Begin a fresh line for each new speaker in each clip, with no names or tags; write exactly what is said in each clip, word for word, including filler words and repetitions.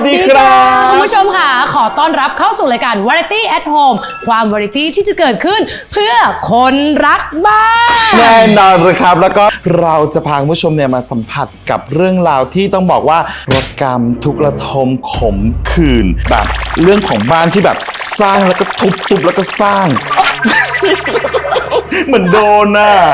ดีครับ
คุณผู้ชมค่ะขอต้อนรับเข้าสู่รายการ Variety at Home ความวาไรตี้ที่จะเกิดขึ้นเพื่อคนรักบ้าน
แน่นอนเลยครับแล้วก็เราจะพาคุณผู้ชมเนี่ยมาสัมผัสกับเรื่องราวที่ต้องบอกว่ารถกรรมทุกระทมขมขื่นแบบเรื่องของบ้านที่แบบสร้างแล้วก็ทุบทุบแล้วก็สร้าง เหมือนโดนน่ะ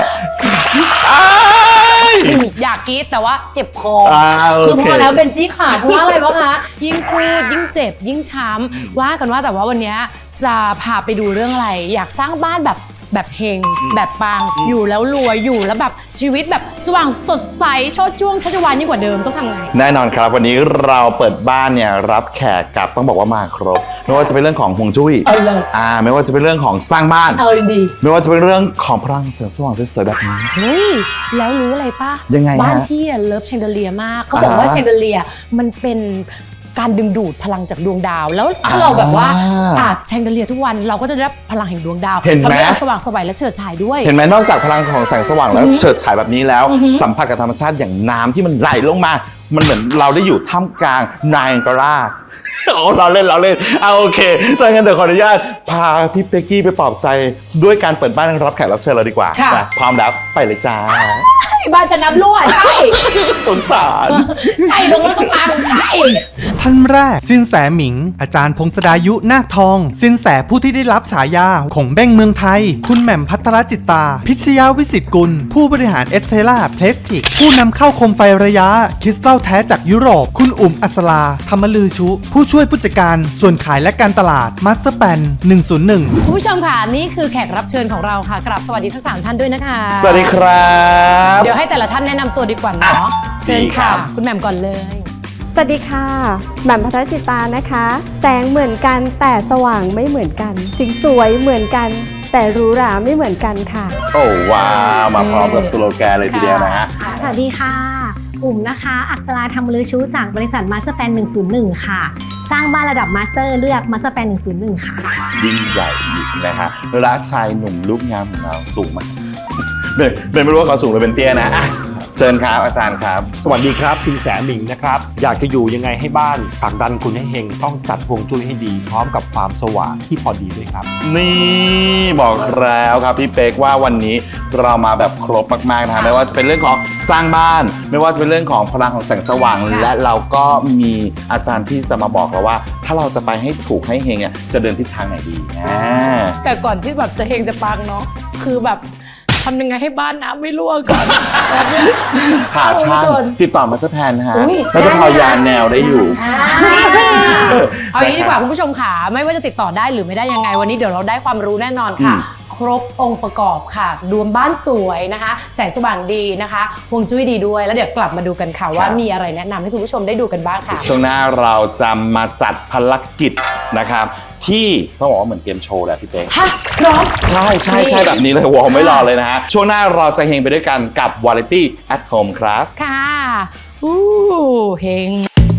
อยากกรี๊ดแต่ว่าเจ็บคอ
คือ
พอแล้วเป็นจี้ขาเพราะว่าอะไรวะคะยิ่งพูดยิ่งเจ็บยิ่งช้ำว่ากันว่าแต่ว่าวันนี้จะพาไปดูเรื่องอะไรอยากสร้างบ้านแบบแบบเฮงแบบปังอยู่แล้วรวยอยู่แล้วแบบชีวิตแบบสว่างสดใสโชดช่วงชัชวานยิ่งกว่าเดิมต้องทำไง
แน่นอนครับวันนี้เราเปิดบ้านเนี่ยรับแขกกับต้องบอกว่ามาครบไม่ว่าจะเป็นเรื่องของฮวงจุ้ยอ่าไม่ว่าจะเป็นเรื่องของสร้างบ้าน
เออดี
ไม่ว่าจะเป็นเรื่องของพลังแสงสว่างสวยๆแบบนี้
เฮ้ยแล้วรู้อะไรป่ะ
ยังไง
บ้านพี่เลิฟแชนเดเลียมากเขาบอกว่าแชนเดเลียมันเป็นการดึงดูดพลังจากดวงดาวแล้วถ้าเราแบบว่าอาบแชนเดเลียทุกวันเราก็จะได้รับพลังแห่งดวงดาว
เห็นไหม
สว่างสวยและเฉิดฉายด้วย
เห็นไหมนอกจากพลังของแสงสว่างแล้วเฉิดฉายแบบนี้แล้วสัมผัสกับธรรมชาติอย่างน้ำที่มันไหลลงมามันเหมือนเราได้อยู่ท่ามกลางไนแองการาโอ้เราเล่นเราเล่นเอาโอเคถ้างั้นเดี๋ยวขออนุญาตพาพี่เป๊กกี้ไปปลอบใจด้วยการเปิดบ้านรับแขกรับเชิญเราดีกว่าพร้อมแล้วไปเลยจ้า
บ้านจะน้ำรั่วใช่
สงสาร
ใช่ลงแล้วก็พังใช่
ท่านแรกสินแสหมิงอาจารย์พงศดายุนาคทองสินแสผู้ที่ได้รับฉายาของเบ้งเมืองไทยคุณแหม่มพัทรจิตตาพิชยาวิสิตกุลผู้บริหารเอสเทล่าเพลสติกผู้นำเข้าโคมไฟระยะคริสตัลแท้จากยุโรปคุณอุ๋มอัศราธรรมลือชุผู้ช่วยผู้จัดการส่วนขายและการตลาดมาสเตอร์แปนหนึ่งศูนย์หนึ่ง
คุณผู้ชมค่ะนี่คือแขกรับเชิญของเราค่ะกราบสวัสดีทั้งสามท่านด้วยนะคะ
สวัสดีครับ
เดี๋ยวให้แต่ละท่านแนะนำตัวดีกว่าเนาะเชิญค่ะคุณแหม่มก่อนเลย
สวัสดีค่ะแหม่มพัทรจิตตานะคะแสงเหมือนกันแต่สว่างไม่เหมือนกันสีสวยเหมือนกันแต่หรูหราไม่เหมือนกันค่ะ
โอ้ว้าวมาพร้อมกับสโลแกนเลยทีเดียวนะฮะ
สวัสดีค่ะอุ่มนะคะอักษราธรรมลือชูจากบริษัทมาสเตอร์แปนหนึ่งศูนย์หนึ่งค่ะสร้างบ้านระดับมาสเตอร์เลือกมาสเตอร์แปนหนึ่งศูนย์หนึ่งค่ะ
ยิ่งใหญ่นะฮะรักชายหนุ่มรูปงามของเราสูงมากเลยเป็นไม่รู้ว่าเขาสูงหรือเป็นเตี้ยนะเชิญครับอาจารย์ครับ
สวัสดีครับสินแสหมิงนะครับอยากจะอยู่ยังไงให้บ้านผลักดันคุณให้เฮงต้องจัดฮวงจุ้ยให้ดีพร้อมกับความสว่างที่พอดีด้วยครับ
นี่บอกแล้วครับพี่เป๊กว่าวันนี้เรามาแบบครบมากๆนะฮะไม่ว่าจะเป็นเรื่องของสร้างบ้านไม่ว่าจะเป็นเรื่องของพลังของแสงสว่างและเราก็มีอาจารย์ที่จะมาบอกเราว่าถ้าเราจะไปให้ถูกให้เฮงอ่ะจะเดินทิศทางไหนดี
แต่ก่อนที่แบบจะเฮงจะปังเนาะคือแบบทำยังไงให้บ้านน้ำไม่รั่วก่อน
หาช่างติดต่อมาสแพนนะฮะแล้วจะพอยานแนวได้อยู่
เอาอย่างนี้ดีกว่าคุณผู้ชมค่ะไม่ว่าจะติดต่อได้หรือไม่ได้ยังไงวันนี้เดี๋ยวเราได้ความรู้แน่นอนค่ะครบองค์ประกอบค่ะรวมบ้านสวยนะคะแสงสว่างดีนะคะฮวงจุ้ยดีด้วยแล้วเดี๋ยวกลับมาดูกันค่ะว่ามีอะไรแนะนำให้คุณผู้ชมได้ดูกันบ้างค่ะ
ช่วงหน้าเราจะมาจัดภารกิจนะครับที่ต้องบอกว่าเหมือนเกมโชว์แหละพี่เป๊ก
ฮะพร้อม
ใช่ใช่ใช่แบบนี้เลยวอลไม่รอเลยนะฮะช่วงหน้าเราจะเฮงไปด้วยกันกับ Variety at Home ครับ
ค่ะอู้เฮง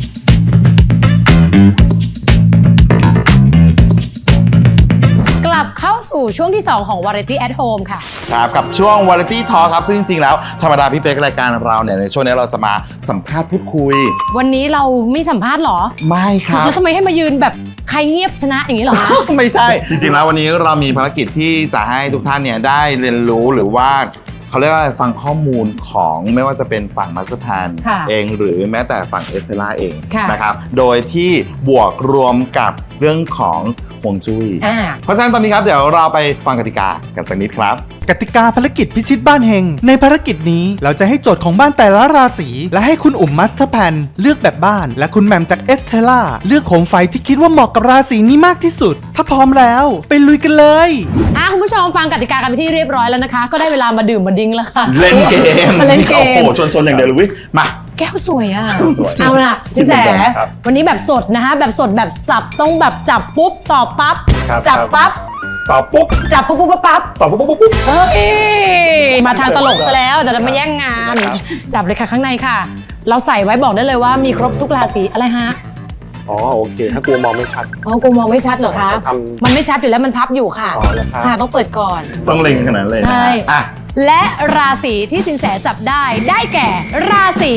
กลับเข้าสู่ช่วงที่สองของ Variety at Home ค่ะ
ครับกับช่วง Variety Talk ครับซึ่งจริงๆแล้วธรรมดาพี่เป๊กรายการเราเนี่ยในช่วงนี้เราจะมาสัมภาษณ์พูดคุย
วันนี้เราไม่สัมภาษณ์หรอ
ไม่ครับ
แล้วทำไมให้มายืนแบบใครเงียบชนะอย่างนี้หรอคะ
ไม่ใช่จริงๆแล้ววันนี้เรามีภารกิจที่จะให้ทุกท่านเนี่ยได้เรียนรู้หรือว่าเขาเรียกว่าฟังข้อมูลของไม่ว่าจะเป็นฝั่งมาสเตอร์แพนเองหรือแม้แต่ฝั่งเอสเทล่าเองนะครับโดยที่บวกรวมกับเรื่องของฮวงจุ้ยเพราะฉะนั้นตอนนี้ครับเดี๋ยวเราไปฟังกติกากันสักนิดครับ
กติกาภารกิจพิชิตบ้านเฮงในภารกิจนี้เราจะให้โจทย์ของบ้านแต่ละราศีและให้คุณอุ๋มมาสเตอร์แพนเลือกแบบบ้านและคุณแหม่มจากเอสเทล่าเลือกโคมไฟที่คิดว่าเหมาะกับราศีนี้มากที่สุดถ้าพร้อมแล้วไปลุยกันเลย
อ่ะคุณผู้ชมฟังกติกากันไปที่เรียบร้อยแล้วนะคะก็ได้เวลามาดื่มมาดิ้งแล้วค่ะ
เล่นเกม
มาเล่นเกม
โอ้โหชนๆอย่างเดียวเลยวิมา
แก้วสวยอ่ะเอาล่ะสินแสวันนี้แบบสดนะคะแบบสดแบบสับต้องแบบจับปุ๊บตอบปั๊บจับปั๊บ
ตอบปุ๊บ
จับปุ๊บปุ๊บปั๊บ
ตอบปุ๊บปุ๊บปุ๊บ
เฮ้ยมาทางตลกซะแล้วแต่เราไม่แย่งงานจับเลยค่ะข้างในค่ะเราใส่ไว้บอกได้เลยว่ามีครบทุกราศีอะไรฮะ
อ๋อโอเคถ้ากลัวมองไม่ชัด
อ๋อกลัวมองไม่ชัดเหรอคะมันไม่ชัดอยู่แล้วมันพับอยู่ค่ะค่ะต้องเปิดก่อน
ต้องเล็งขนาดนั้นเลย
ใช่และราศีที่สินแสจับได้ได้แก่ราศี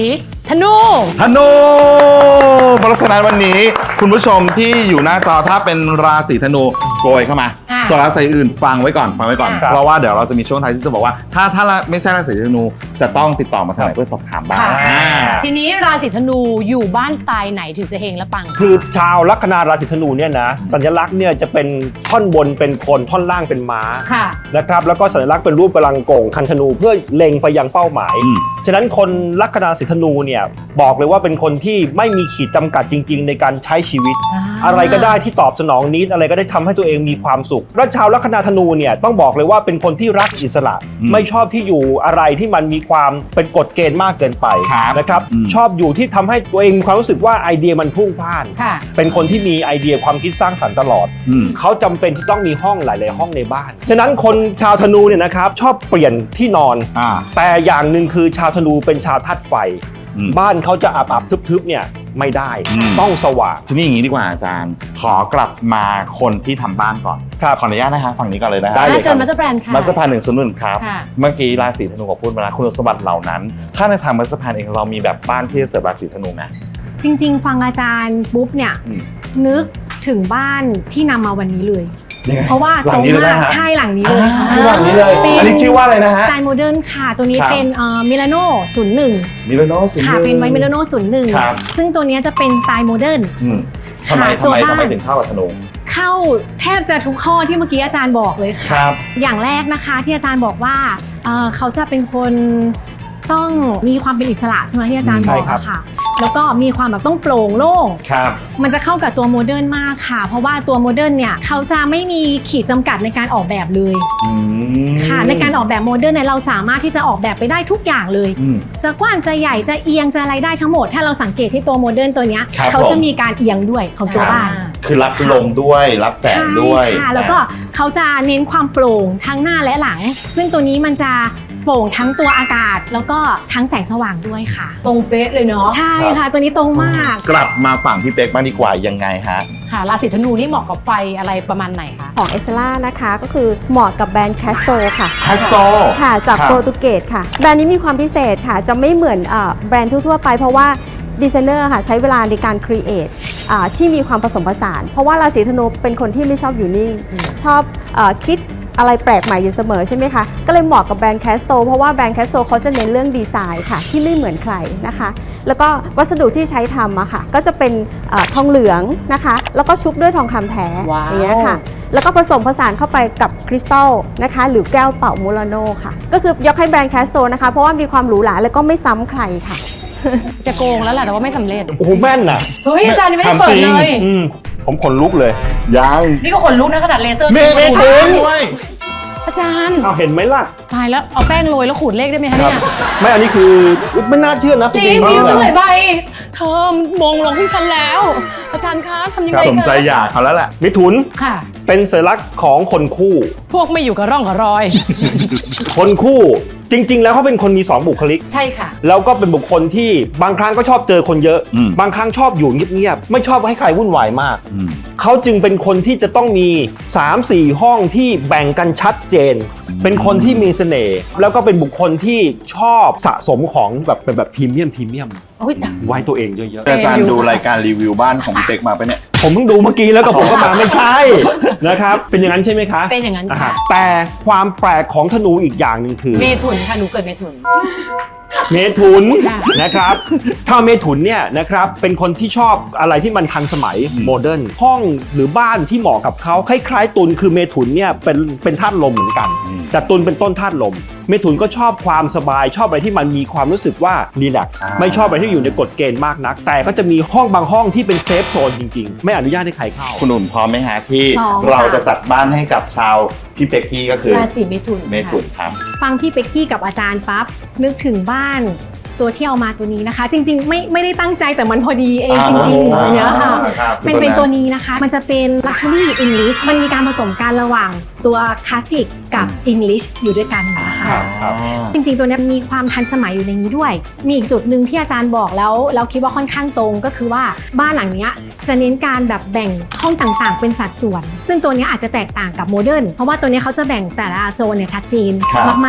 ธนู
ธนูเพราะฉะนั้นวันนี้คุณผู้ชมที่อยู่หน้าจอถ้าเป็นราศีธนูโกยเข้ามา
อ่ะ
ส่วนราศีอื่นฟังไว้ก่อนฟังไว้ก่อน
ครับ
เพราะว่าเดี๋ยวเราจะมีช่วงท้ายที่จะบอกว่าถ้าถ้าไม่ใช่ราศีธนูจะต้องติดต่อมาทางไหนเพื่อสอบถามบ้าง
ค่ะ
อ่า
ทีนี้ราศีธนูอยู่บ้านสไตล์ไหนถึงจะเฮงและปัง
คือชาวลัคนาราศีธนูเนี่ยนะสัญลักษณ์เนี่ยจะเป็นท่อนบนเป็นคนท่อนล่างเป็นม้า
ค่ะ
นะครับแล้วก็สัญลักษณ์เป็นรูปกำลังโก่งคันธนูเพื่อเล็งไปยังเป้าหมาย
อืม
ฉะนั้นคนลัคนาราศีธนูเนี่ยบอกเลยว่าเป็นคนที่ไม่มีขีดจำกัดจริง ๆ ในการใช้ชีวิต
อ่า
อะไรก็ได้ที่ตอบสนองนิดอะไรก็ได้ทำให้ตัวเองมีความสุขแล้วชาวลัคนาธนูเนี่ยต้องบอกเลยว่าเป็นคนที่รักอิสระ
อืม
ไม่ชอบที่อยู่อะไรที่มันมีความเป็นกฎเกณฑ์มากเกินไป
ครับ
นะครับ
อืม
ชอบอยู่ที่ทำให้ตัวเองมีความรู้สึกว่าไอเดียมันพุ่งพล่าน
ค่ะ
เป็นคนที่มีไอเดียความคิดสร้างสรรค์ตลอด
อืม
เขาจำเป็นที่ต้องมีห้องหลาย ๆ ห้องในบ้าน ฉะนั้นคนชาวธนูเนี่ยนะครับชอบเปลี่ยนที่นอน
อ่า
แต่อย่างหนึ่งคือชาวธนูเป็นชาวธาตุไฟ
อืม
บ้านเขาจะอับๆทึบ ๆ เนี่ยไม่ได้
อืม
ต้องสว่าง
ทีนี้อย่างนี้ดีกว่าอาจารย์ ขอกลับมาคนที่ทำบ้านก่อน
ครับ
ขออนุญาตนะคะฝั่งนี้ก่อนเลยนะฮะ
ได้เลย
เชิญมาสเตอร์แบรนด์ค่ะ
มัสเตอร์แพนหนึ่งศูนย์หนึ่งครับ
ค่ะ
เมื่อกี้ราศีธนูกับพูดมาแล้วคุณสมบัติเหล่านั้น ถ้าในทางมัสเตอร์แพนเองเรามีแบบบ้านที่จะเสริมราศีธนูไหม
จริง ๆ ฟังอาจารย์ปุ๊บเนี่ย
อืม
นึกถึงบ้านที่นำมาวันนี้เลย
ยังไง
เพราะว่า
หลั
ตรง ง
นี้เลย
มา
นะ
ก
ฮะ
ใช่หลังนี้เลยค่ะ
อ่าหลังนี้เลย
เป็น
อันนี้ชื่อว่าอะไรนะ
ส
ฮะ
ไตล์โมเดิร์นค่ะ ตัวนี้
ครับ
เป็นมิลานโน่ศูนย์หนึ่ง
มิลโนศูนย์
ค่ะ
ห
เป็นไว
ง
มิลานโน่ศูนย์หนึ่ง
ครับ
ซึ่งตัวเนี้ยจะเป็นสไตล์โมเดิร์น
อืมทำไม
ค่ะ
ทำไม
ตัวบ้าน
ทำไมถึงเข้ากับธนู
เข้าแทบจะทุกข้อที่เมื่อกี้อาจารย์บอกเลยค่ะ
ครับ
อย่างแรกนะคะที่อาจารย์บอกว่าเอ่อเขาจะเป็นคนต้องมีความเป็นอิสระใช่ไหมที่อาจารย์
ใช่
บอก
ครับ
อะค่ะ แล้วก็มีความแบบต้องโปร่งโล่ง
ครับ
มันจะเข้ากับตัวโมเดิร์นมากค่ะ เพราะว่าตัวโมเดิร์นเนี่ยเขาจะไม่มีขีดจำกัดในการออกแบบเลย
อืม
ค่ะ ในการออกแบบโมเดิร์นเนี่ยเราสามารถที่จะออกแบบไปได้ทุกอย่างเลย
อืม
จะกว้างจะใหญ่จะเอียงจะอะไรได้ทั้งหมด ถ้าเราสังเกตที่ตัวโมเดิร์นตัวเนี้ย
ครับ
เขา
ผม
จะมีการเอียงด้วยของตัวบ้าน
คือรับลมด้วยรับแสงด้วย
ใช่ค่ะแล้วก็เขาจะเน้นความโปร่งทั้งหน้าและหลัง ซึ่งตัวนี้มันจะโปร่งทั้งตัวอากาศ แล้วก็ทั้งแสงสว่างด้วยค่ะ
ตรงเป๊ะเลยเนาะ
ใช่ค่ะ ตัวนี้ตรงมาก
กลับมาฝั่งพี่เป๊กบ้างดีกว่ายังไงฮะ
ค่ะ ราศีธนูนี่เหมาะกับไฟอะไรประมาณไหนคะ
ของเอสเ e ล่านะคะก็คือเหมาะกับแบรนด์แคสโตค่ะ
คาสโต
ค่ะ จาก
ครับ
โปรตุเกสค่ะ แบรนด์นี้มีความพิเศษค่ะ จะไม่เหมือนเอ่อแบรนด์ทั่วๆไป เพราะว่าดีไซเนอร์ค่ะใช้เวลาในการครีเอทที่มีความผสมผสาน เพราะว่าราศีธนูเป็นคนที่ไม่ชอบอยู่นิ่ง ชอบเออคิดอะไรแปลกใหม่อยู่เสมอใช่ไหมคะ ก็เลยเหมาะกับแบรนด์แคสโตเพราะว่าแบรนด์แคสโตเขาจะเน้นเรื่องดีไซน์ค่ะ ที่ไม่เหมือนใครนะคะ แล้วก็วัสดุที่ใช้ทำอะค่ะ ก็จะเป็นเออทองเหลืองนะคะ แล้วก็ชุบด้วยทองคำแท้
ว้าว
อย่างเงี้ยค่ะ แล้วก็ผสมผสานเข้าไปกับคริสตัลนะคะ หรือแก้วเป่ามูลาโนค่ะ ก็คือยกให้แบรนด์แคสโตนะคะ เพราะว่ามีความหรูหราแล้วก็ไม่ซ้ำใครค่ะ
จะโกงแล้วแหละแต่ว่าไม่สำเร็จ
โอ้โหแม่นน่ะ
เฮ้ยอาจารย์ยังไม่ได้เปิดเลย
อืมผมขนลุกเลย
ยัง
นี่ก็ขนลุกนะขนาดเลเซอร์
เมฆ
ขนลุก
ถึงด้วย
อาจารย์
เอาเห็นไหมล่ะ
ตายแล้วเอาแป้งโรยแล้วขูดเลขได้ไหมคะ
ครับ
เนี่ย
ไม่อันนี้คือไม่น่าเชื่อนะ
จริง
ๆ
มีอยู่ตั้งห
เล
ลายใบเธอมงลงที่ฉันแล้ว อาจารย์คะทำยังไง
สมใจ
คะ
อยากเขาแล้วแหละ
มิถุน
ค่ะ
เป็นสัญลักษณ์ของคนคู่
พวกไม่อยู่กับร่องกับรอย
คนคู่จริง ๆ แล้วเขาเป็นคนมีสองบุคลิก
ใช่ค่ะ
แล้วก็เป็นบุคคลที่บางครั้งก็ชอบเจอคนเยอะ
อืม
บางครั้งชอบอยู่เงียบๆไม่ชอบให้ใครวุ่นวายมาก
อืม
เขาจึงเป็นคนที่จะต้องมี สามสี่ ห้องที่แบ่งกันชัดเจน เป็นคนที่มีเสน่ห์แล้วก็เป็นบุคคลที่ชอบสะสมของแบบเป็นแบบพรีเมียมพรีเมียม
โอ้ย
ไว้ตัวเองเยอะ
อาจารย์ดูรายการรีวิวบ้านของพี่เป๊กมาไปะเนี่ย
ๆ ผมเพิ่งดูเมื่อกี้แล้วก็ผมก็มาไม่ใช่นะครับเป็นอย่างนั้นใช่ไหมคะ
เป็นอย่างนั้น
อ่า
ค่ะ
ฮะแต่ความแปลกของธนูอีกอย่างหนึ่งคือ
เมถุนค่ะหนูเกิดเมถุน
เมถุน
ค่ะ
นะครับถ้าเมถุนเนี่ยนะครับเป็นคนที่ชอบอะไรที่มันทันสมัย
อืม
โมเดิร์นห้องหรือบ้านที่เหมาะกับเขาคล้ายๆตุลคือเมถุนเนี่ยเป็นเป็นธาตุลมเหมือนกัน แต่ตุลเป็นต้นธาตุลม เมถุนก็ชอบความสบายชอบอะไรที่มันมีความรู้สึกว่ารีแลกซ์
อ่า
ไม่ชอบอะไรที่อยู่ในกฎเกณฑ์มากนัก แต่ก็จะมีห้องบางห้องที่เป็นเซฟโซนจริงๆ ไม่อนุญาตให้ใครเข้า
คุณหนุ่มพร้อมไหมฮะที่
พร้อม
เรา
ค่ะ
จะจัดบ้านให้กับชาวพี่เป๊กกี้ก็คือ
ราศีเมถุน
เมถุนครับ
ฟังพี่เป็กกี้กับอาจารย์ปั๊บนึกถึงบ้านตัวที่เอามาตัวนี้นะคะ จริงๆ ไม่ไม่ได้ตั้งใจแต่มันพอดีเองจริงๆอย่างเงี้ยค่ะ
ครับ
เป็นเป็นตัวนี้นะคะ มันจะเป็น Luxury English มันมีการผสมกันระหว่างตัวคลาสสิกกับ English อยู่ด้วยกันนะคะ
ครับ
จริงๆ ตัวเนี้ยมีความทันสมัยอยู่ในนี้ด้วย มีอีกจุดหนึ่งที่อาจารย์บอกแล้วเราคิดว่าค่อนข้างตรงก็คือว่าบ้านหลังเนี้ยจะเน้นการแบบแบ่งห้องต่างๆ เป็นสัดส่วน ซึ่งตัวเนี้ยอาจจะแตกต่างกับโมเดิร์นเพราะว่าตัวเนี้ยเขาจะแบ่งแต่ละโซนเนี่ยชัดเจน
ครับ
มากๆ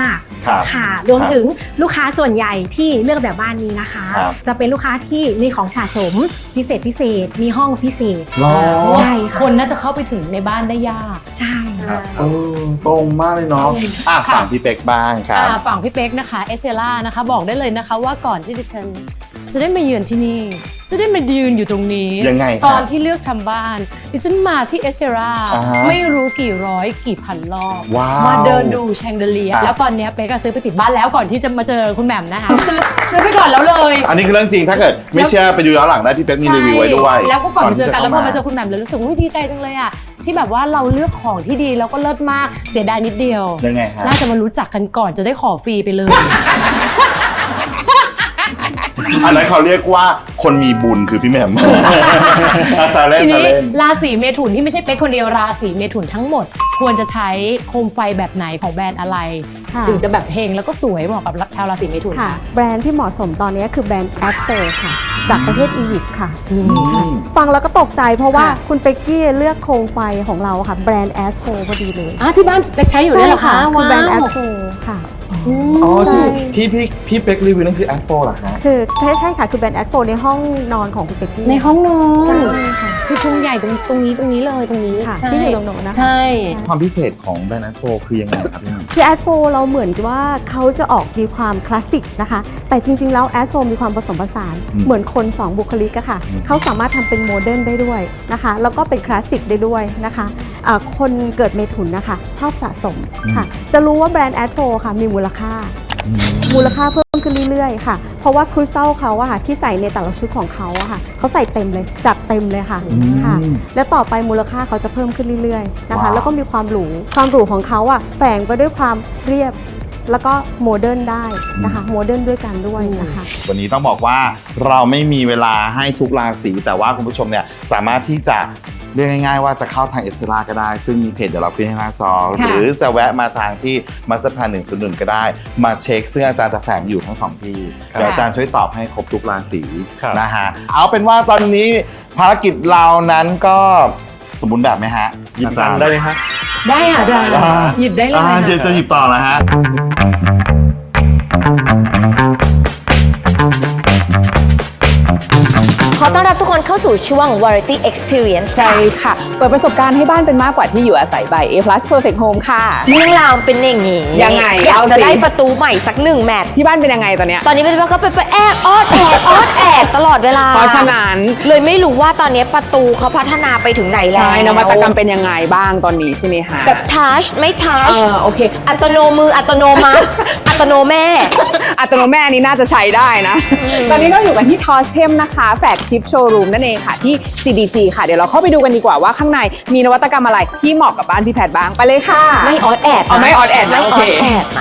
ครับ
ค่ะรวมถึงลูกค้าส่วนใหญ่ที่เลือกแบบบ้านนี้นะคะ
ครับ
จะเป็นลูกค้าที่มีของสะสมพิเศษพิเศษมีห้องพิเศษ
หรอ
ใช่ค่ะ
คนน่าจะเข้าไปถึงในบ้านได้ยาก
ใช่ค่ะ
เออตรงมากเลยเนาะอ่ะฝั่งพี่เป็กบ้างครับ
อ่าฝั่งพี่เป๊กนะคะเอสเซล่านะคะบอกได้เลยนะคะว่าก่อนที่ดิฉันจะได้มาเยือนที่นี่ จะได้มายืนอยู่ตรงนี้
ยังไงครับ
ตอนที่เลือกทำบ้าน ดิฉันมาที่เอสเซล่า
อ่าฮะ
ไม่รู้กี่ร้อยกี่พันรอบ
ว้าว
มาเดินดูแชงเดเลีย
อ่ะ
แล้วตอนเนี้ยเป๊กก็ซื้อไปติดบ้านแล้วก่อนที่จะมาเจอคุณแหม่มนะคะซื้อซื้อไปก่อนแล้วเลย
อันนี้คือเรื่องจริงถ้าเกิดไม่เชื่อไปดูย้อนหลังได้พี่เป็กมีรีวิวไว้ด้วย
ใช่แล้วก็ก่อนมาเจอกันแล้วพอมาเจอ
ที่
คุณแหม่มเลยรู้สึกว่าดีใจจังเลยอ่ะที่แบบว่าเราเลือกของที่ดีแล้วก็เลิศมากเสียดายนิดเดียว
จะเข้ามายังไงฮะ
น่าจะมารู้จักกันก่อนจะได้ขอฟรีไปเลย
อันนั้นเขาเรียกว่าคนมีบุญคือพี่แหม่ม อาซาเล่น
ที
ซา
นี้
เล่น
ราศีเมถุนที่ไม่ใช่เป๊กคนเดียวราศีเมถุนทั้งหมด ควรจะใช้โคมไฟแบบไหนของแบรนด์อะไร
ค่ะ
ถึงจะแบบเฮงแล้วก็สวยเหมาะกับชาวราศีเมถุน
ค่ะ
ค่ะ
แบรนด์ที่เหมาะสมตอนนี้คือแบรนด์แอปโฟค่ะ จากประเทศอียิปต์ค่ะ
อืม
ฟังแล้วก็ตกใจเพราะว่า
ค่ะ
คุณเป๊กกี้เลือกโคมไฟของเราค่ะ แบรนด์แอปโฟพอดีเลย
อ่ะที่บ้านเป๊กใช้อยู่ด้วยเหรอคะ
คือแบรนด์แอป
ว้าว
โฟค่ะ
อืม
อ๋อที่
ใช่
ที่พี่พี่เป็กรีวิวนั่นคือแอปโฟเหรอฮะ
คือใช่ใช่ค่ะคือแบรนด์แอปโฟในห้องนอนของคุณเป๊กกี้
ในห้องนอน
ใช่ค่ะ
คือพุงใหญ่ตรงตรงนี้ตรงนี้เลยตรงนี้
ค่ะ
ใช่
ที่อยู่ตรงโน้นนะคะ
ใช่
ความพิเศษของแบรนด์แอปโฟคือยังไงครับพี่แหม่ม
คือแอดโฟเราเหมือนกับว่าเขาจะออกมีความคลาสสิกนะคะ แต่จริงๆแล้วแอดโฟมีความผสมผสาน
อืม
เหมือนคนสองบุคลิกอะค่ะ
อืม
เขาสามารถทำเป็นโมเดิร์นได้ด้วยนะคะ แล้วก็เป็นคลาสสิกได้ด้วยนะคะะคนเกิดเมถุนนะคะชอบสะสมค่ะ จะรู้ว่าแบรนด์แอดโฟค่ะมีมูลค่า มูลค่าเพิ่มขึ้นเรื่อยๆค่ะ เพราะว่าคริสตัลเขาอะค่ะที่ใส่ในแต่ละชุดของเขาอะค่ะเขาใส่เต็มเลยจัดเต็มเลยค่ะ
อืม
ค่ะ และต่อไปมูลค่าเขาจะเพิ่มขึ้นเรื่อยๆนะคะ
ว้าว
แล้วก็มีความหรูความหรูของเขาอะแฝงไปด้วยความเรียบ แล้วก็โมเดิร์นได้นะคะโมเดิร์นด้วยกันด้วยนะคะ
วันนี้ต้องบอกว่าเราไม่มีเวลาให้ทุกราศีแต่ว่าคุณผู้ชมเนี่ยสามารถที่จะเรียกง่ายๆว่าจะเข้าทางเอสเซล่าก็ได้ ซึ่งมีเพจเดี๋ยวเราขึ้นให้หน้าจอ หรือจะแวะมาทางที่มาสเตอร์แพลนหนึ่งศูนย์หนึ่งก็ได้ มาเช็คซึ่งอาจารย์จะแฝงอยู่ทั้งสองที่
ครับ
เดี๋ยวอาจารย์ช่วยตอบให้ครบทุกราศี
ครับ
นะฮะเอาเป็นว่าตอนนี้ภารกิจเรานั้นก็สมบูรณ์แบบไหมฮะ
หยิบ
อา
กั
จาร
น
ย์
ได้ไหมฮะ
ได้ค่ะอาจารย์
อ่า
หยิบได้เลย
อ่า
ค่ะ
เจจะหยิบต่อแล้วฮะ
ขอต้อนรับทุกคนเข้าสู่ช่วง Variety Experience
ใช่ค่ะ เปิดประสบการณ์ให้บ้านเป็นมากกว่าที่อยู่อาศัย by A plus Perfect Home ค่ะ
เรื่องราวเป็นอย่างนี้
ยังไง
อยาก
เอาสิ
จะได้ประตูใหม่สักหนึ่งแมตช์
ที่บ้านเป็นยังไงตอนเนี้ย
ตอนนี้เป็นว่าก็เป็นไปแอบออดแอดออดแอดตลอดเวลา
เพราะฉะนั้น
เลยไม่รู้ว่าตอนนี้ประตูเขาพัฒนาไปถึงไหนแล้ว
ใช่นวัตกรรมเป็นยังไงบ้างตอนนี้ใช่ไหมคะ
แบบทัชไม่ทัช
เออโอเค
อัตโนมืออัตโนมัติ อัตโนแม่
อัตโนแม่นี้น่าจะใช้ได้นะ ตอนนี้เราอยู่กันที่ ทอสเทม นะคะแฟลกชิพโชว์รูมนั่นเองค่ะที่ ซี ดี ซี ค่ะ เดี๋ยวเราเข้าไปดูกันดีกว่าว่าข้างในมีนวัตกรรมอะไรที่เหมาะกับบ้านพี่แพทย์บ้างไปเลยค่ะ
ไม่ออดแอด
อ๋อไม่ออดแอดนะ
ไม่
โอ
อ
เค
อดแอดนะ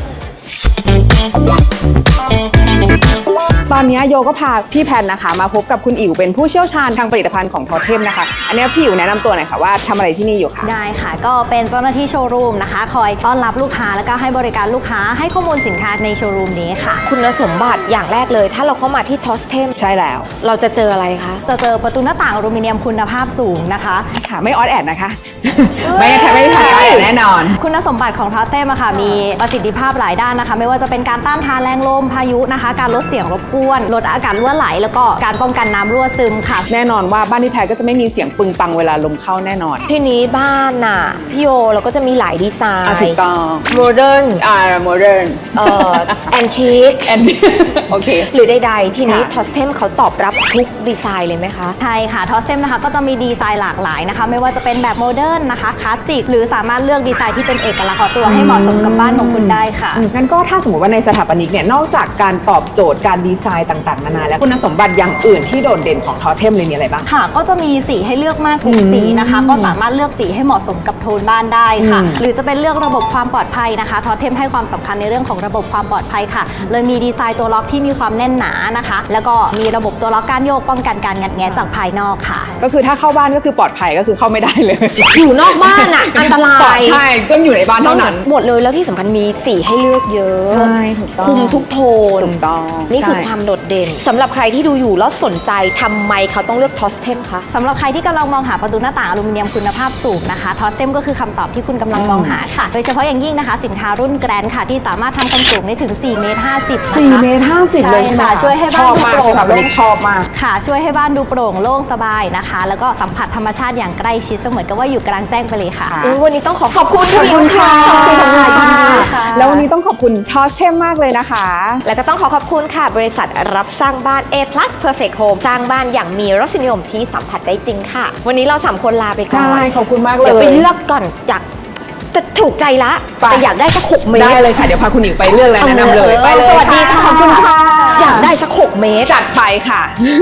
ตอนนี้โยก็พาพี่แพนนะคะมาพบกับคุณอิ๋วเป็นผู้เชี่ยวชาญทางผลิตภัณฑ์ของทอเทมนะคะ อันนี้พี่อิ๋วแนะนำตัวหน่อยค่ะว่าทำอะไรที่นี่อยู่ค่ะ
ได้ค่ะ ก็เป็นเจ้าหน้าที่โชว์รูมนะคะ คอยต้อนรับลูกค้าแล้วก็ให้บริการลูกค้าให้ข้อมูลสินค้าในโชว์รูมนี้ค่ะ
คุณสมบัติอย่างแรกเลย ถ้าเราเข้ามาที่ทอสเทม
ใช่แล้ว
เราจะเจออะไรคะ
จะเจอประตูหน้าต่างอลูมิเนียมคุณภาพสูงนะคะ
ค่ะไม่ออดแอดนะคะ ไม่ได้ไม่ได้ทำออดแอดแน่นอน
คุณสมบัติของทอสเต้มค่ะมีประสิทธิภาพหลายด้านนะคะ ไม่ว่าจะเป็นการต้านทานแรงลมพายุนะคะ การลดเสียงรบกวนลดอากาศรั่วไหล แล้วก็การป้องกันน้ำรั่วซึมค่ะ
แน่นอนว่าบ้านพี่แพทย์ก็จะไม่มีเสียงปึงปังเวลาลมเข้าแน่นอน
ที่นี้บ้านน่ะพี่โยเราก็จะมีหลายดีไซ
อ่ะ
น์
ถูกต้อง
โมเดิร์น
อ่าโมเดิร์น
เอ่อแอนทิค
แอน โอเค
หรือใดๆที่นี้
ค่ะ
ทอสเทมเขาตอบรับทุกดีไซน์เลยไหมคะ
ใช่ค่ะทอสเต็มนะคะก็จะมีดีไซน์หลากหลายนะคะ ไม่ว่าจะเป็นแบบโมเดิร์นนะคะคลาสสิกหรือสามารถเลือกดีไซน์ที่เป็นเอกลักษณ์ของตัวให้เหมาะสมกับบ้านของคุณได้ค่ะ
อืมงั้นก็ถ้าสมมติว่าในสถาปนิกเนี่ยนอกจากการตอบโจทย์การดีไซน์ต่างๆนานาแล้วคุณสมบัติอย่างอื่นที่โดดเด่นของทอเทมเลยมีอะไรบ้าง
ค่ะก็จะมีสีให้เลือกมากทุกสีนะคะ ก็สามารถเลือกสีให้เหมาะสมกับโทนบ้านได้ค่ะ
อืม
หรือจะเป็นเรื่องระบบความปลอดภัยนะคะทอเทมให้ความสำคัญในเรื่องของระบบความปลอดภัยค่ะ เลยมีดีไซน์ตัวล็อกที่มีความแน่นหนานะคะ แล้วก็มีระบบตัวล็อกการโยกป้องกันการงัดแงะจากภายนอกค่ะ
ก็คือถ้าเข้าบ้านก็คือปลอดภัยก็คือเข้าไม่ได้เลย
อยู่นอกบ้านอ่ะ อันตรา
ปลอด
ย
ภัยช่ต้องอยู่ในบ้านเท่านั้น
หมดเลยแล้วที่สำคัญมีสีให้เลือกเยอะ
ใช่ถูกต้อง
คุมทุกโทน
ถูกต้อง
นี่คือ
ใช่
ความโดดเด่นสำหรับใครที่ดูอยู่แล้วสนใจทำไมเขาต้องเลือกทอสเทมคะ
สำหรับใครที่กำลังมองหาประตูหน้าต่างอลูมิเนียมคุณภาพสูงนะคะทอสเต็มก็คือคำตอบที่คุณกำลังมองหาค่ะ โดยเฉพาะอย่างยิ่งนะคะสินค้ารุ่นแกรนด์ค่ะที่สามารถทำความสูงได้ถึงสี่เมตรห้าสิบนะคะ
สี่เมตรห้าสิบเลยใช่ไหม
ค่ะ
คะ
ช่วยให้
ช
บ้า
อน บ
ดู
มาก
โปร่
ใช่
ง
ค่ะวันนี้ชอบมาก
ค่ะช่วยให้บ้านดูโปร่งโล่งสบายนะคะ แล้วก็สัมผัสธรรมชาติอย่างใกล้ชิดเสมือนกับว่าอยู่กลางแจ้งไปเลยค่ะ
อุ๊ยวันนี้ต้องขอขอบคุณ
ขอบคุณค่ะ
ขอบคุณค่ะ
ค่ะ
แล้ววันนี้ต้องขอบคุณทอสเทมมากเลยนะคะ
แล้วก็ต้องขอขอบคุณค่ะ บริษัทรับสร้างบ้าน A plus Perfect Home สร้างบ้านอย่างมีรสนิยมที่สัมผัสได้จริงค่ะ วันนี้เราสามคนลาไปก่อน
ใช่ขอบคุณมากเลย
เดี๋ยวไปเลือกก่อนอยากแต่ถูกใจละ
ไป
แต่อยากได้สักหกเมตร
ได้เลยค่ะ เดี๋ยวพาคุณหญิงไปเลือกแล้วแนะนำเลยไปเลย
สวัสดีค่ะ
ขอบคุณค่ะ
อยากได้สักหกเมตร
จัดไปค่ะ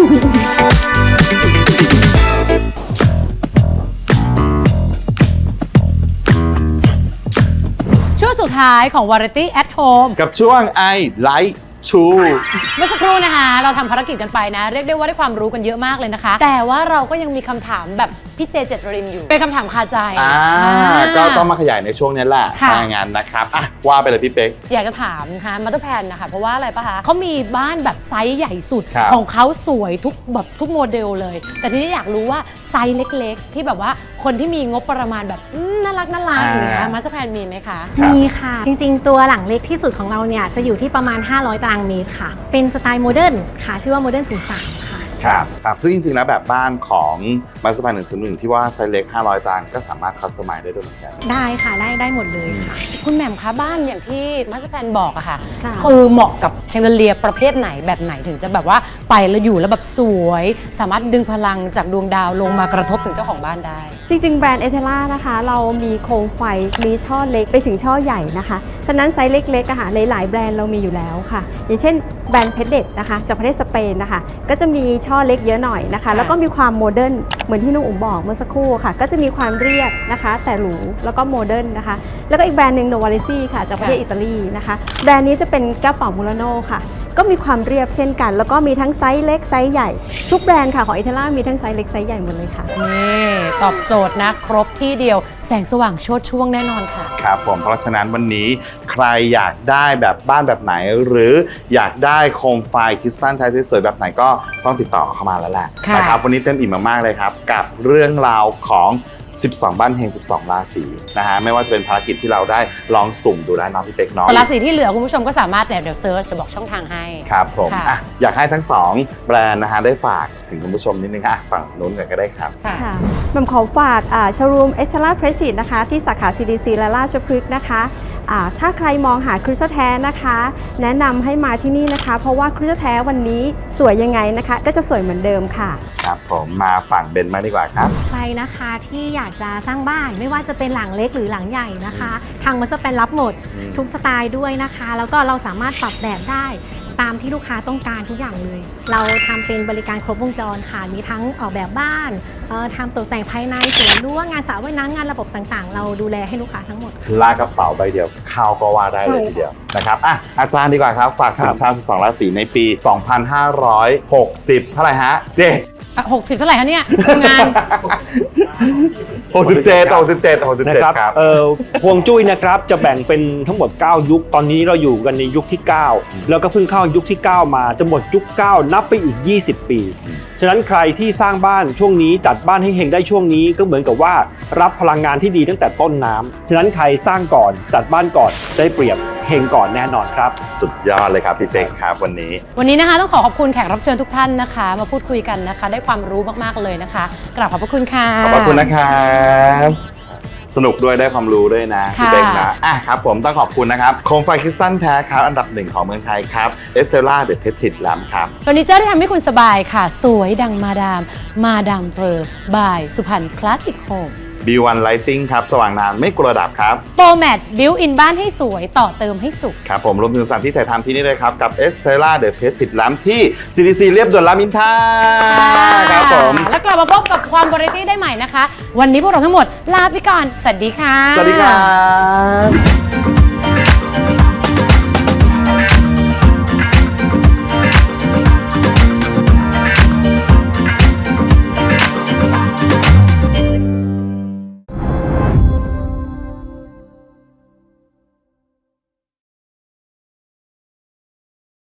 ช่วงสุดท้ายของ Variety at Home
กับช่วง I Like To
เมื่อสักครู่นะคะเราทำภารกิจกันไปนะ เรียกได้ว่าได้ความรู้กันเยอะมากเลยนะคะ แต่ว่าเราก็ยังมีคำถามแบบพี่เจเจตรินอยู่ เป็นคำถามคาใจ
อ่า
อ่า
ก็ต้องมาขยายในช่วงนี้แหละ
ค่ะ
ถ้าอย่างนั้นนะครับอ่ะว่าไปเลยพี่เป๊ก
อยากจะถามนะคะมาตอร์แพนนะคะเพราะว่าอะไรปะคะเขามีบ้านแบบไซส์ใหญ่สุด
ครับ
ของเขาสวยทุกแบบทุกโมเดลเลย แต่ทีนี้อยากรู้ว่าไซส์เล็กๆ ที่แบบว่าคนที่มีงบประมาณแบบอืมน่ารักน่ารักอย่างเงี้ยมาตอร์แพนมีไหมคะ
ครับ
มีค่ะ จริงๆ ตัวหลังเล็กที่สุดของเราเนี่ยจะอยู่ที่ประมาณ ห้าร้อย ตารางเมตรค่ะ เป็นสไตล์โมเดิร์นค่ะ ชื่อว่าโมเดิร์นศูนย์สามค่ะ
ครับครับซึ่งจริงๆแล้วแบบบ้านของมาสเตอร์แพลนหนึ่งศูนย์หนึ่งที่ว่าไซส์เล็กห้าร้อยตารางก็สามารถคัสตอมไมซ์ได้ด้วยเหมือนกัน
ได้ค่ะ ได้ได้หมดเลยค่ะ
คุณแหม่มคะบ้านอย่างที่มาสเตอร์แพนบอกอะค่ะ
ค่ะ
คือเหมาะกับแชงเดเลียประเภทไหนแบบไหนถึงจะแบบว่าไปแล้วอยู่แล้วแบบสวย สามารถดึงพลังจากดวงดาวลงมากระทบถึงเจ้าของบ้านได้
จริงๆ แบรนด์เอเทล่านะคะ เรามีโคมไฟ มีช่อเล็กไปถึงช่อใหญ่นะคะ ฉะนั้นไซส์เล็กๆอะค่ะหลายๆแบรนด์เรามีอยู่แล้วค่ะ อย่างเช่นแบรนด์เพชรเด็ดนะคะจากประเทศสเปนนะคะ ก็จะมีช่อเล็กเยอะหน่อยนะคะ แล้วก็มีความโมเดิร์นเหมือนที่น้องอุ๋มบอกเมื่อสักครู่ค่ะ ก็จะมีความเรียบนะคะ แต่หรูแล้วก็โมเดิร์นนะคะ แล้วก็อีกแบรนด์หนึ่งโนวาลิซี่ค่ะจากประเทศอิตาลีนะคะแบรนด์นี้จะเป็นแก้วเป่ามูราโน่ค่ะ ก็มีความเรียบเช่นกัน แล้วก็มีทั้งไซส์เล็กไซส์ใหญ่ทุกแบรนด์ค่ะของเอเทล่ามีทั้งไซส์เล็กไซส์ใหญ่หมดเลยค่ะ
นี่ตอบโจทย์นะครบที่เดียวแสงสว่างโชติช่วงแน่นอนค่ะ
ครับผมเพราะฉะนั้นวันนี้ใครอยากได้แบบบ้านแบบไหน หรืออยากได้โคมไฟคริสตัลไทยสวยๆแบบไหนก็ต้องติดต่อเข้ามาแล้วแหละ
ค่ะ
นะครับวันนี้เต็มอิ่มมากๆเลยครับ กับเรื่องราวของ สิบสอง บ้านเฮงสิบสอง ราศีนะฮะไม่ว่าจะเป็นภารกิจที่เราได้ลองสุ่มดูได้เน้องพี่เป๊กเนาะ
ราศีที่เหลือคุณผู้ชมก็สามารถเนี่ยเดี๋ยวเซิร์ชเดี๋ยวบอกช่องทางให้
ครับผม
ค่ะ
อ่ะอยากให้ทั้งสองแบรนด์นะฮะได้ฝากถึงคุณผู้ชมนิดนึงค่ะฝั่งนู้นก่อนก็ได้ครับ
ค่ะ
ค่ะแหม่มขอฝากโชว์รูมเอสเทล่าเพรสซินะคะ ที่สาขา ซี ดี ซี และราชพฤกษ์นะคะอ่าถ้าใครมองหาคริสตัลแท้นะคะ แนะนำให้มาที่นี่นะคะ เพราะว่าคริสตัลแท้วันนี้สวยยังไงนะคะ ก็จะสวยเหมือนเดิมค่ะ
ครับผมมาฝั่งเบนมากดีกว่าครับ
ใครนะคะที่อยากจะสร้างบ้านไม่ว่าจะเป็นหลังเล็กหรือหลังใหญ่นะคะ ทางมัสเตอร์แพนรับหมด
อืม
ทุกสไตล์ด้วยนะคะ แล้วก็เราสามารถปรับแบบได้ตามที่ลูกค้าต้องการทุกอย่างเลย เราทำเป็นบริการครบวงจรค่ะมีทั้งออกแบบบ้านเอ่อทำตกแต่งภายในสวนรั้วงานสระว่ายน้ำงานระบบต่างๆ เราดูแลให้ลูกค้าทั้งหมด
ลากกระเป๋าใบเดียวเข้าก็ว่าได้เลยทีเดียวนะครับอ่ะอาจารย์ดีกว่าครับ ฝากถึ
ครั
ง
บ
ชาวสิบสอง ราศีในปี สองพันห้าร้อยหกสิบ เท่าไหร่ฮะเจ็ด
หกสิบเท่าไหร่คะเนี่ยทำงาน
หกสิบเจ็ด หกสิบเจ็ด หกสิบ
นะ
เจ็ด
ครับ
ครับ
เอ่อฮวงจุ้ยนะครับจะแบ่งเป็นทั้งหมด เก้า ยุค ตอนนี้เราอยู่กันในยุคที่ เก้า แล้วก็เพิ่งเข้ายุคที่ เก้า มาจะหมดยุค เก้า นับไปอีก ยี่สิบ ปี ฉะนั้นใครที่สร้างบ้านช่วงนี้จัดบ้านให้เฮงได้ช่วงนี้ก็เหมือนกับว่ารับพลังงานที่ดีตั้งแต่ต้นน้ำฉะนั้นใครสร้างก่อนจัดบ้านก่อนได้เปรียบเฮงก่อนแน่นอนครับ
สุดยอดเลยครับพี่เป๊กครับวันนี้
วันนี้นะคะต้องขอขอบคุณแขกรับเชิญทุกท่านนะคะ มาพูดคุยกันนะคะ ได้ความรู้มากๆเลยนะคะกราบขอบพระคุณค่ะ
ขอบพระคุณนะครับสนุกด้วยได้ความรู้ด้วยนะพี่
ค่ะ
เป๊กนะอ่ะครับผมต้องขอบคุณนะครับโคมไฟคริสตัลแท้ครับอันดับหนึ่งของเมืองไทยครับเอสเตล่าเดอะเพทิตแลมครับ
เฟอร์นิเจอร์ที่ทำให้คุณสบายค่ะ สวยดังมาดาม มาดามเฟอร์บายสุพรรณคลาสสิกโฮม
บี วัน Lighting ครับสว่างนานไม่กลัวดับครับ
โปรแมทบิวอินบ้านให้สวยต่อเติมให้สุข
ครับผมรวมถึงสถานที่ถ่ายทำที่นี่เลยครับ กับ Estella The Petit Lamp ที่ ซี ดี ซี เรียบด่วนรามอินทราครับผม
แล้วกลับมาพบกับความวาไรตี้ได้ใหม่นะคะ วันนี้พวกเราทั้งหมดลาไปก่อน สวัสดีค่ะ
สวัสดีครับ